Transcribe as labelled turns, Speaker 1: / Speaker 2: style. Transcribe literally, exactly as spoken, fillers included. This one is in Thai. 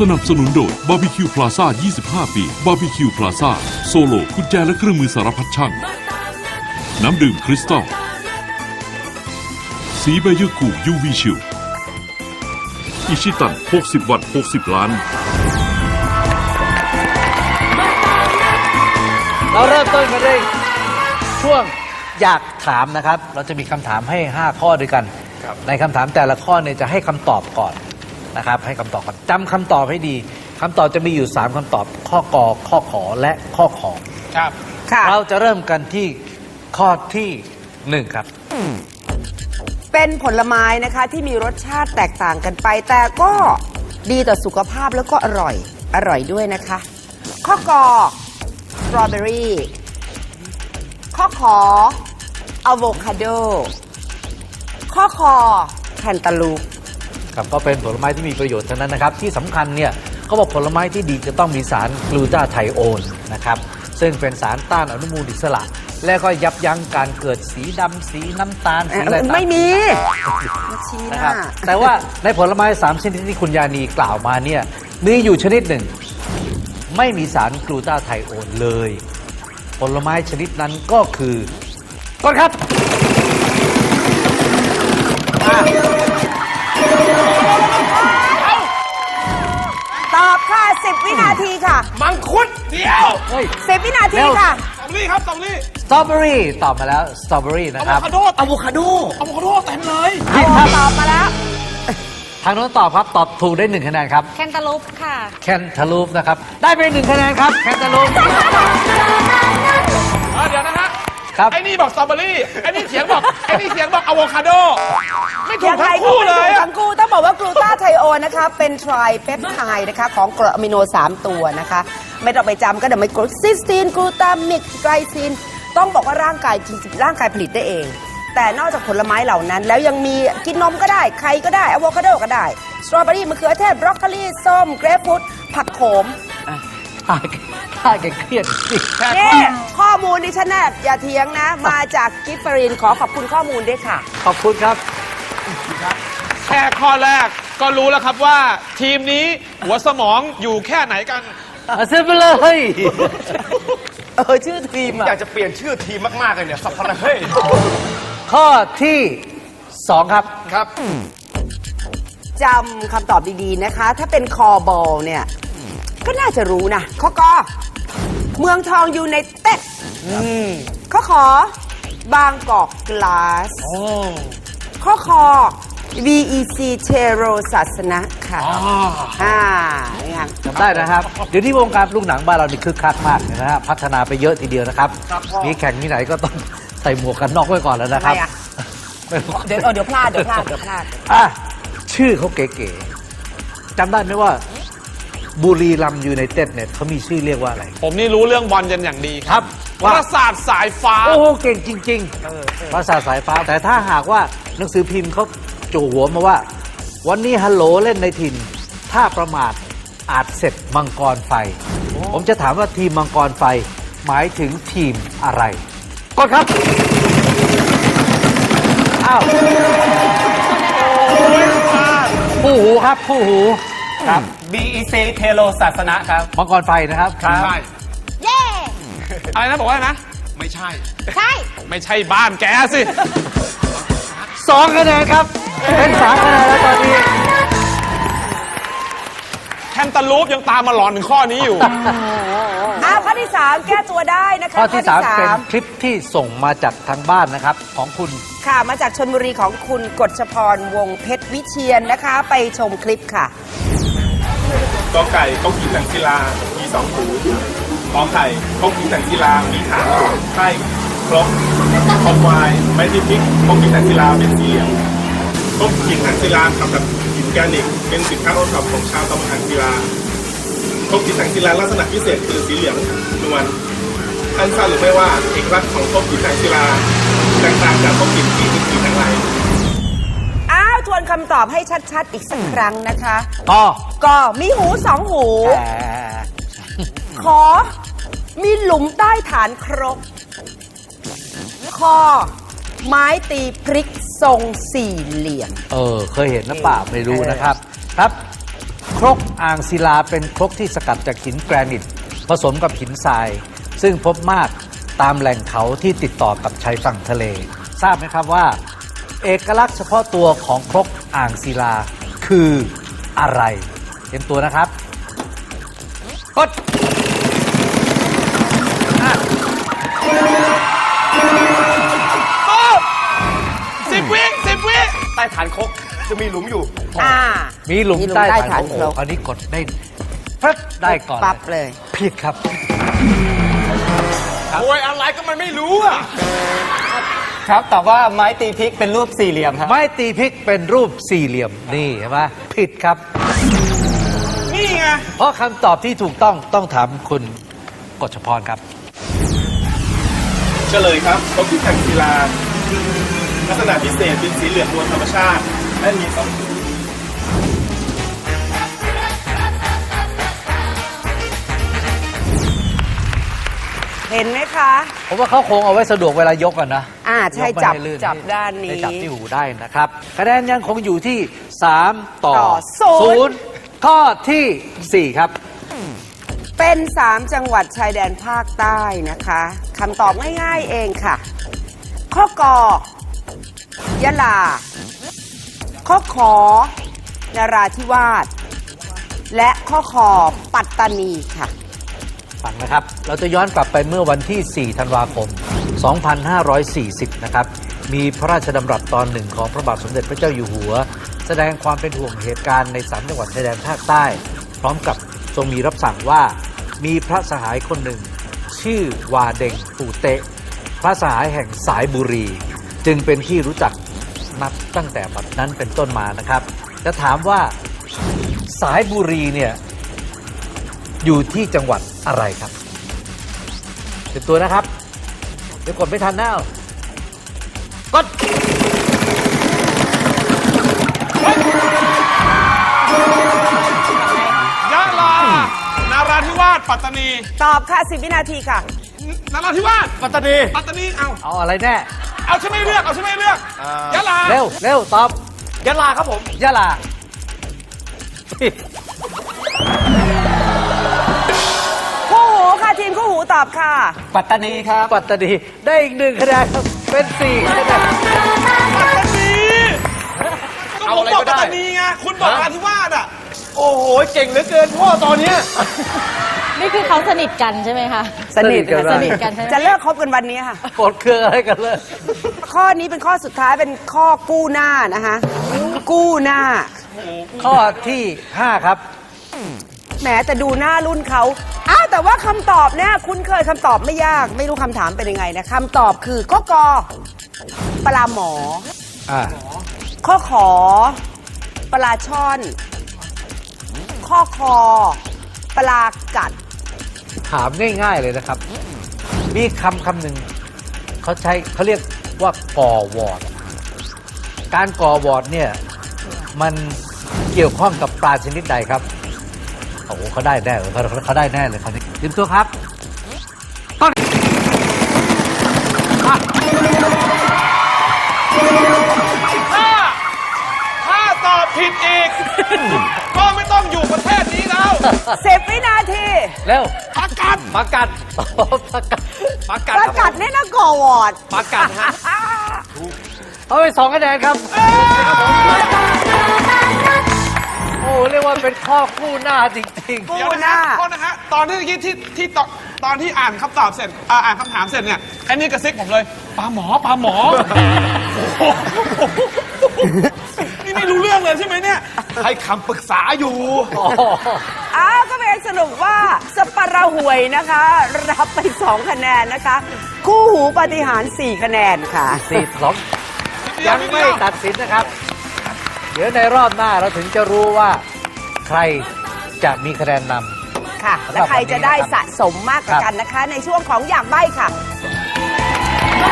Speaker 1: สนับสนุนโดยบาร์บีคิวพลาซ่ายี่สิบห้าปีบาร์บีคิวพลาซ่าโซโลกุญแจและเครื่องมือสารพัดช่างน้ำดื่มคริสตัลสีใบยูกูยูวีชิลอิชิตันหกสิบวัตต์หกสิบล้าน
Speaker 2: เราเริ่มต้นกันเลยช่วงอยากถามนะครับเราจะมีคำถามให้ห้าข้อด้วยกันในคำถามแต่ละข้อเนี่ยจะให้คำตอบก่อนนะครับให้คำตอบก่อนจำคำตอบให้ดีคำตอบจะมีอยู่สามคำตอบข้อกอข้อขอและข้อขอ
Speaker 3: ครับ
Speaker 2: เราจะเริ่มกันที่ข้อที่หนึ่งครับ
Speaker 4: เป็นผลไม้นะคะที่มีรสชาติแตกต่างกันไปแต่ก็ดีต่อสุขภาพแล้วก็อร่อยอร่อยด้วยนะคะข้อกอสตรอเบอรี่ข้อขออะโวคาโดข้อคอแคนตาลูป
Speaker 2: ครับก็เป็นผลไม้ที่มีประโยชน์ทั้งนั้นนะครับที่สำคัญเนี่ยเขาบอกผลไม้ที่ดีจะต้องมีสารกลูตาไทโอนนะครับซึ่งเป็นสารต้านอนุมูลอิสระและก็ยับยั้งการเกิดสีดำสีน้ำตาลสีอะไรต่างๆ
Speaker 4: ไม่มี
Speaker 2: นะครับแต่ว่าในผลไม้สามชนิดที่คุณยานีกล่าวมาเนี่ยมีอยู่ชนิดหนึ่งไม่มีสารกลูตาไทโอนเลยผลไม้ชนิดนั้นก็คือก่อนครับ
Speaker 4: ตอบค่ะสิบวินาทีค่ะ
Speaker 3: มังคุดเดียว
Speaker 4: สิบวินาทีค่ะ
Speaker 3: สองลี่ครับสองลี่
Speaker 2: สตรอเบอรี่ตอบมาแล้วสตรอเบอรี่นะครับ
Speaker 3: อะโวคาโดอะโวคาโดอะโวคาโดเต็มเลย
Speaker 2: ผิดครับ
Speaker 4: ตอบมาแล้ว
Speaker 2: ทางโน้นตอบครับตอบถูกได้หนึ่งคะแนนครับ
Speaker 5: แคนตาลูปค่ะ
Speaker 2: แคนตาลูปนะครับได้ไปหนึ่งคะแนนครับแคนตาลูป
Speaker 3: เดี๋ยวนะฮะ
Speaker 2: ครับ
Speaker 3: ไอ้นี่บอกสตรอเบอรี่ไอ้นี่เสียงบอกไอ้นี่เสียงบอกอะโวคาโดไม่ถูกทั้งคู่เลย
Speaker 4: ทั้งคู่ต้องบอกว่ากลูตาไทโอนนะคะเป็นไตรเปปไทด์นะคะของกรดอะมิโนสามตัวนะคะไม่ต้องไปจำก็เดี๋ยวไม่กรดซิสตีนกลูตามิกไกลซินต้องบอกว่าร่างกายจริงๆร่างกายผลิตได้เองแต่นอกจากผลไม้เหล่านั้นแล้วยังมีกินนมก็ได้ไข่ก็ได้อะโวคาโดก็ได้สตรอเบอรี่มะเขือเทศบรอกโคลีส้มเกรปฟรุตผักโขม
Speaker 2: ถ้าถ้าแกเครียด
Speaker 4: นี่ข้อมูลดิฉันน่ะอย่าเถียงนะมาจากกิฟฟรินขอขอบคุณข้อมูลด้วยค่ะ
Speaker 2: ขอบคุณครับ
Speaker 3: แค่ข้อแรกก็รู้แล้วครับว่าทีมนี้หัวสมองอยู่แค่ไหนกัน
Speaker 2: เซฟเลย
Speaker 4: เออชื่อทีม
Speaker 3: อยากจะเปลี่ยนชื่อทีมมากๆเลยเนี่ยสัพพะเฮ้ย
Speaker 2: ข้อที่สองครับ
Speaker 3: ครับ
Speaker 4: จำคำตอบดีๆนะคะถ้าเป็นคอบอลเนี่ยก็น่าจะรู้นะข้อกอเมืองทองยูไนเต็ดข้อขอบางกอกกลาสข้อคอ วี อี ซี เทโรศาสนะค่ะอ่า
Speaker 2: เนี่ยจำได้นะครับเดี๋ยวนี้วงการลูกหนังบ้านเรานี่คึกคักมากนะฮะพัฒนาไปเยอะทีเดียวนะครับมีแข่งที่ไหนก็ต้องใส่หมวกกันน็อกไว้ก่อนแล้วนะครับ
Speaker 4: เดี๋ยวเดี๋ยวพลาดเดี๋ยวพลาดเดี๋ยวพลาด
Speaker 2: อ่ะชื่อเขาเก๋ๆจำได้ไหมว่าบุรีรัมย์ยูไนเต็ดเนี่ยเขามีชื่อเรียกว่าอะไร
Speaker 3: ผมนี่รู้เรื่องบอลกันอย่างดีครับปราสาทสายฟ้า
Speaker 2: โอ้โหเก่งจริงๆปราสาทสายฟ้าแต่ถ้าหากว่าหนังสือพิมพ์เขาจู่หัวมาว่าวันนี้ฮัลโหลเล่นในถิ่นถ้าประมาทอาจเสร็จมังกรไฟผมจะถามว่าทีมมังกรไฟหมายถึงทีมอะไรก่อนครับอ้าวผู้หูครับผู้หู
Speaker 3: ครับ บี อี ซี เทโลศาสนะครับ
Speaker 2: มังกรไฟนะครับ
Speaker 3: ใช่
Speaker 5: เย่
Speaker 3: อะไรนะบอกว่านะไม่ใช่
Speaker 5: ใช่
Speaker 3: ไม่ใช่บ้านแกสิ
Speaker 2: สองคะแนนครับเป็นสามคะแนนแล้วตอนนี้
Speaker 3: แคนตาลูปยังตามมาหลอนถึงข้อนี้อยู่
Speaker 4: อ้าวข้อที่สามแก้ตัวได้นะคะ
Speaker 2: ข้อที่สามเป็นคลิปที่ส่งมาจากทางบ้านนะครับของคุณ
Speaker 4: ค่ะมาจากชลบุรีของคุณกฎชพรวงเพชรวิเชียนนะคะไปชมคลิปค่ะ
Speaker 6: กอไก่ข้าวกีแสงศิลามีสองหูขอไข่ข้าวกีแสงศิลามีหางไข่ครบคอควายไม้ที่พริกข้าวกีแสงศิลาเป็นสีเหลืองข้าวกีแสงศิลาทำจากหินแกรนิตเป็นสินค้าโอท็อปของชาวตำบลอ่างศิลาข้าวกีแสงศิลาลักษณะพิเศษคือสีเหลืองนวลท่านทราบหรือไม่ว่าเอกลักษณ์ของข้าวกีแสงศิลาแตกต่างจากข้าวกีที่อื่นๆทั้งหลาย
Speaker 4: อ้าวทวนคำตอบให้ชัดๆอีกสักครั้งนะคะ
Speaker 2: กอ
Speaker 4: ก็มีหูสองหูขอมีหลุมใต้ฐานครบคอไม้ตีพริกทรงสี่เหลี่ยม
Speaker 2: เออเคยเห็นนะป่าไม่รู้นะครับครับครกอ่างศิลาเป็นครกที่สกัดจากหินแกรนิตผสมกับหินทราย ซึ่งพบมากตามแหล่งเขาที่ติดต่อกับชายฝั่งทะเล ทราบไหมครับว่า เอกลักษณ์เฉพาะตัวของครกอ่างศิลาคืออะไรเตรียมตัวนะครับกดอ่ะ
Speaker 3: สิบวิสิบวิ
Speaker 6: ใต้ฐานครกจะมีหลุมอยู่
Speaker 4: อ่า
Speaker 2: มีหลุม
Speaker 4: มีหลุม
Speaker 2: ใต้
Speaker 4: ใต้
Speaker 2: ฐา
Speaker 4: ฐาน น
Speaker 2: โอ้
Speaker 4: ครก
Speaker 2: อันนี้กดได้ปั๊บได้ก่อน
Speaker 4: ปั๊บเลย
Speaker 2: ผิดครับ
Speaker 3: โอ้ยอะไรก็มันไม่รู้อ่ะ
Speaker 5: ครับแต่ว่าไม้ตีพริกเป็นรูปสี่เหลี่ยมครับ
Speaker 2: ไม้ตีพริกเป็นรูปสี่เหลี่ยมนี่เห็นไหมผิดครับ
Speaker 3: นี่ไง
Speaker 2: เพราะคำตอบที่ถูกต้องต้องถามคุณกฎชพรครับ
Speaker 6: เฉลยครับครกหินอ่างศิลาลักษณะพิเศษเป็นสีเหลืองนวลธรรมชาติและมีสองสี
Speaker 4: เห็นไหมคะ
Speaker 2: ผมว่าเขาคงเอาไว้สะดวกเวลายกกันนะ
Speaker 4: อ่าใช่
Speaker 2: ยกไม่
Speaker 4: จับ
Speaker 2: ให้ลื่น
Speaker 4: จับด้านนี้
Speaker 2: ให้จับที่หูได้นะครับคะแนนยังคงอยู่ที่ สาม ต่อ
Speaker 4: ต่อศูนย์
Speaker 2: ศูนย์ข้อที่สี่ครับ
Speaker 4: เป็นสามจังหวัดชายแดนภาคใต้นะคะคำตอบง่ายๆเองค่ะ ข้อกอยะลา ข้อขอนราธิวาสและข้อคอปัตตานีค่ะ
Speaker 2: ฟังนะครับ เราจะย้อนกลับไปเมื่อวันที่ สี่ ธันวาคม สองพันห้าร้อยสี่สิบ นะครับ มีพระราชดำรัสตอนหนึ่งของพระบาทสมเด็จพระเจ้าอยู่หัว แสดงความเป็นห่วงเหตุการณ์ในสามจังหวัดชายแดนภาคใต้ พร้อมกับทรงมีรับสั่งว่ามีพระสหายคนหนึ่ง ชื่อวาเดงปูเตะ พระสหายแห่งสายบุรี จึงเป็นที่รู้จักนับตั้งแต่บัดนั้นเป็นต้นมานะครับ จะถามว่าสายบุรีเนี่ยอยู่ที่จังหวัดอะไรครับเตรียมตัวนะครับ เดี๋ยวกดไม่ทันแล้วกด
Speaker 3: ยะลา นาราธิวาส ปัตตานี
Speaker 4: ตอบค่ะสิบวินาทีค่ะ
Speaker 3: นาราธิวาส
Speaker 6: ปัตตานี
Speaker 3: ปัตตานี เอา
Speaker 2: เอาอะไรแน่
Speaker 3: เอาใช่ไหมเลือก เอาใช่ไหมเลือก ยะลา
Speaker 2: เร็วเร็วตอบ
Speaker 3: ยะลาครับผม
Speaker 2: ยะลาผิด
Speaker 4: คู่หูค่ะทีมคู่หูตอบค่ะ
Speaker 5: ปัตตานีครับ
Speaker 2: ปัตตานีได้อีกหนึ่งคะแนนครับเป็นสี่คะแนน
Speaker 3: ปัตตานีก็ผมบอกปัตตานีไง คุณบอกนาราธิวาสอ่ะ
Speaker 6: โอ้โห เก่งเหลือเกินพ่อตอนเนี้ย
Speaker 7: นี่คือเขาสนิทกันใช่ไหมคะ
Speaker 4: สนิท
Speaker 2: กัน
Speaker 7: ส
Speaker 2: มาก
Speaker 7: นิทกันใช่ไหม
Speaker 4: จะเลิกคบกันวันนี้ค่ะ
Speaker 2: กดเครื่องอะไรกันเลย
Speaker 4: ข้อนี้เป็นข้อสุดท้ายเป็นข้อกู้หน้านะคะ กู้หน้า
Speaker 2: ข้อที่ห้าครับ
Speaker 4: แหมแต่ดูหน้ารุ่นเขาอ้าวแต่ว่าคำตอบเนี่ยคุ้นเคยคำตอบไม่ยาก ไม่รู้คำถามเป็นยังไงนะคำตอบคือข้อกอปลาหมอ
Speaker 2: อ่า
Speaker 4: ข้อขอปลาช่อน ข้อคอปลากัด
Speaker 2: ถามง่ายๆเลยนะครับ มีคำคำหนึ่งเขาใช้เขาเรียกว่าก่อวอร์ด การก่อวอร์ดเนี่ย มันเกี่ยวข้องกับปลาชนิดใดครับ โอ้โหเขาได้แน่เลยเขาเขาได้แน่เลยคราวนี้เตรียมตัวครับต้นอ่ะ
Speaker 3: ถ้า ถ้าตอบผิดอีก ก็ไม่ต้องอยู่ประเทศนี้แล้ว
Speaker 4: สิบวินาที
Speaker 2: เร็ว
Speaker 3: ประกัน
Speaker 2: ประกัดประกัด
Speaker 3: ประกัน
Speaker 4: ป
Speaker 3: ค
Speaker 4: ระ
Speaker 3: รับ
Speaker 4: กัดเนี่ยนะก่อวอร์ด
Speaker 3: ประกันฮะ
Speaker 2: เอาไปสองคะแนนครับ โอ้เรียกว่าเป็นข้อคู่หน้าจริงๆ
Speaker 4: กู้
Speaker 3: เดี๋ยว
Speaker 4: ห
Speaker 3: นะ
Speaker 4: น้า
Speaker 3: ฮะโทษนะฮะ ตอนที่เมื่อกี้ที่ที่ตอนตอนที่อ่านคำตอบเสร็จอ่าอ่านคำถามเสร็จเนี่ยไอ้นี่กระซิกผมเลยปลาหมอปลาหมอโอ้โหนี่ไม่รู้เรื่องเลยใช่ไหมเนี่ย ให้คำปรึกษาอยู่
Speaker 4: อ้าวก็เป็นสรุปว่าสปาระหวยนะคะ รับไปสองคะแนนนะคะ คู่หูปาฏิหารย์สี่คะแนนค่ะ
Speaker 2: สี่สองยังไม่ตัดสินนะครับ เดี๋ยวในรอบหน้าเราถึงจะรู้ว่าใครจะมีคะแนนนำ
Speaker 4: ค่ะ และใครจะได้สะสมมากกว่ากันนะคะ ในช่วงของอยากใบ้ค่ะ